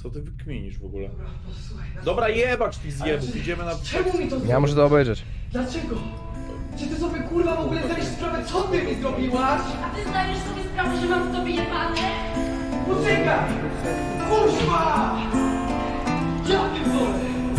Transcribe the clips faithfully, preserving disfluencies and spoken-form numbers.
Co ty wykminisz w ogóle? Dobra, posłuchaj. na- Dobra, jebać tych Ale zjebów, czy- idziemy na... Czemu mi to Ja muszę to obejrzeć. Dlaczego? Czy ty sobie kurwa w ogóle zdajesz sprawę, co ty mi zrobiłaś? A ty zdajesz sobie sprawę, że mam w tobie jebane? Poczekaj! Kurwa! Ja pierdolę!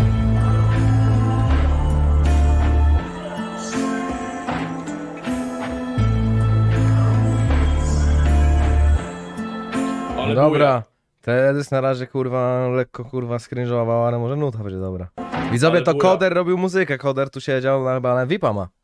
Ale Dobra. Teledysk na razie kurwa lekko kurwa skrinżował, ale może nuta będzie dobra. Widzowie, Ale to buja. Koder robił muzykę, Koder tu siedział, na, chyba na V I P-a ma.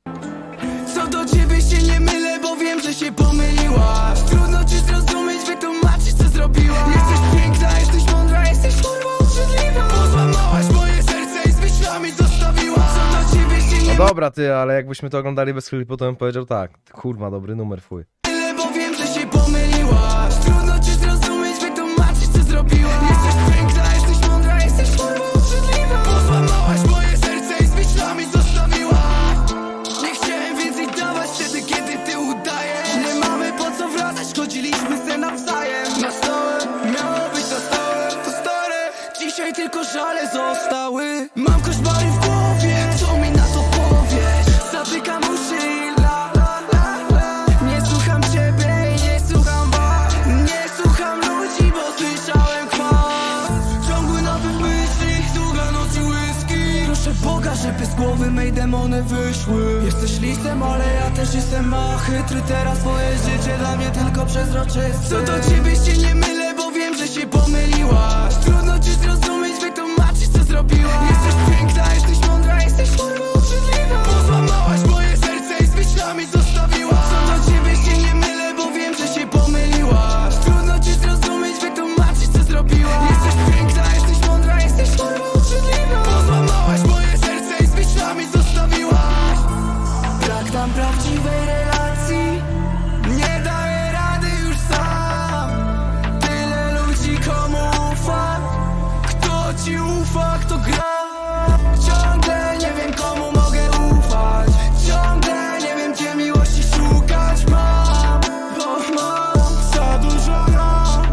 Co do ciebie się nie mylę, bo wiem, że się pomyliłaś. Trudno ci zrozumieć, wytłumaczyć co zrobiłaś. Jesteś piękna, jesteś mądra, jesteś kurwa obrzydliwa. Pozłamałaś moje serce i z myślami zostawiłaś. Co do ciebie się nie No dobra ty, ale jakbyśmy to oglądali bez klipu, to bym powiedział tak. Kurwa, dobry numer, fuj. mylę, bo wiem, że się pomyliłaś. Trudno ci zrozumieć, wytłumaczyć co zrobiłaś. Jesteś piękna, jesteś mądra, jesteś kurwa obrzydliwa. Pozłamałaś moje serce i z myślami zostawiłaś. Nie chciałem więcej dawać wtedy, kiedy ty udajesz. Nie mamy po co wracać, chodziliśmy se nawzajem. Na stałe, miało być na stałe. To stare, dzisiaj tylko żale zostały. Mam koszmary w głowie, co mi na to powiesz? Zatykam uszy i la la la la. Nie słucham ciebie i nie słucham was. Nie słucham ludzi, bo słyszałem kwas. Ciągły napływ myśli, długa noc i whisky. Proszę Boga, żeby z głowy mej demony wyszły. Jesteś listem, ale ja też jestem a chytry. Teraz twoje życie dla mnie tylko przezroczyste. Co do ciebie się nie mylę, bo wiem, że się pomyliłaś. Trudno ci zrozumieć, wytłumaczyć co zrobiłaś. Jesteś piękna, jesteś mądra, jesteś kurwa obrzydliwa. Pozłamałaś moje serce i z myślami zostawiłaś. Co do ciebie się nie mylę, bo wiem, że się pomyliłaś. Trudno ci zrozumieć, wytłumaczyć co zrobiłaś. Jesteś piękna, jesteś mądra, jesteś kurwa obrzydliwa. Pozłamałaś moje serce i z myślami zostawiłaś. Brak nam prawdziwej relacji. Nie daję rady już sam. Tyle ludzi komu ufa. Kto ci ufa, kto gra. Ciągle nie wiem komu mogę ufać. Ciągle nie wiem gdzie miłości szukać. Mam, bo mam za dużo ram.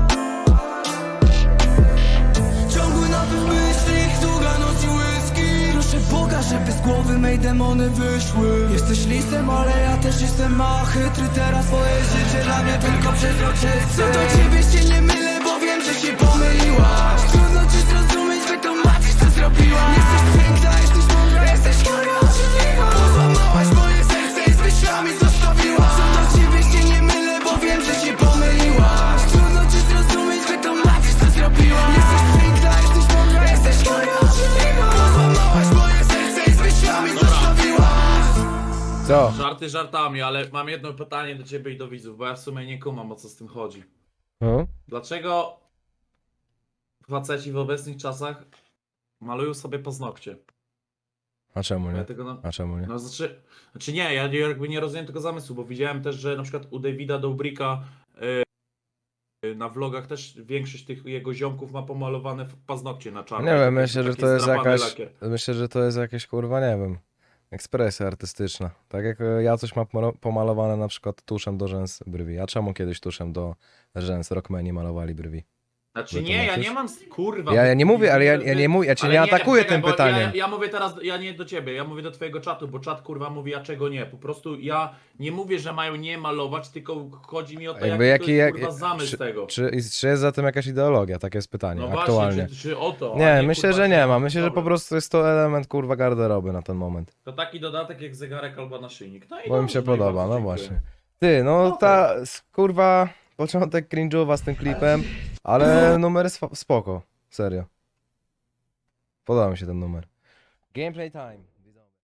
Ciągły napływ myśli, długa noc i whisky. Proszę Boga, żeby z głowy mej demony wyszły. Jesteś listem, ale ja też jestem a chytry. Teraz twoje życie dla mnie tylko przezroczyste. Co do ciebie się nie mylę, bo wiem, że się pomyliłaś. Trudno ci zrozumieć, wytłumaczyć co zrobiłaś. Jesteś piękna, jesteś mądra, jesteś kurwa obrzydliwa. Pozłamałaś moje serce i z myślami zostawiłaś. Co do ciebie się nie mylę, bo wiem, że się pomyliłaś. Trudno ci zrozumieć, wytłumaczyć co zrobiłaś. Jesteś piękna, jesteś mądra, jesteś kurwa obrzydliwa. Pozłamałaś moje serce i z myślami zostawiłaś. Co? Żarty żartami, ale mam jedno pytanie do ciebie i do widzów, bo ja w sumie nie kumam, o co z tym chodzi. No? Dlaczego faceci w obecnych czasach malują sobie paznokcie? A czemu Ja nie? tego no, A czemu nie? no znaczy, znaczy nie, ja nie- jakby nie rozumiem tego zamysłu, bo widziałem też, że na przykład u Davida Dobrika yy, na vlogach też większość tych jego ziomków ma pomalowane w- paznokcie na czarno. Nie wiem, Taki- myślę, że taki to jest zdrapany jakaś, lakier. myślę, że to jest jakaś kurwa, nie wiem, ekspresja artystyczna. Tak jak e, ja coś mam pomo- pomalowane na przykład tuszem do rzęs brwi. A czemu kiedyś tuszem do rzęs rockmeni malowali brwi? Znaczy Że to nie, ja maciuś? nie mam, kurwa. Ja, ja nie wy- mówię, ale ja, wy- ja nie mówię, ja cię ale nie atakuję czekaj, tym bo pytaniem. Ja, ja mówię teraz, ja nie do ciebie, ja mówię do twojego czatu, bo czat kurwa mówi, a czego nie. Po prostu ja nie mówię, że mają nie malować, tylko chodzi mi o to, Jakby jaki, jaki, to jest, jak, kurwa zamysł czy, tego. czy, czy jest za tym jakaś ideologia? Takie jest pytanie, No aktualnie. właśnie, czy, czy o to. a Nie, myślę, kurwa, że nie czy- ma. Myślę, że po Dobra. prostu jest to element kurwa garderoby na ten moment. To taki dodatek jak zegarek albo naszyjnik. No i Bo mi dobrze, się no i podoba, bardzo no dziękuję. właśnie. Ty, no Okej. ta s- kurwa początek cringe'owa z tym klipem, ale numer jest fa- spoko, serio. Podoba mi się ten numer. Gameplay time.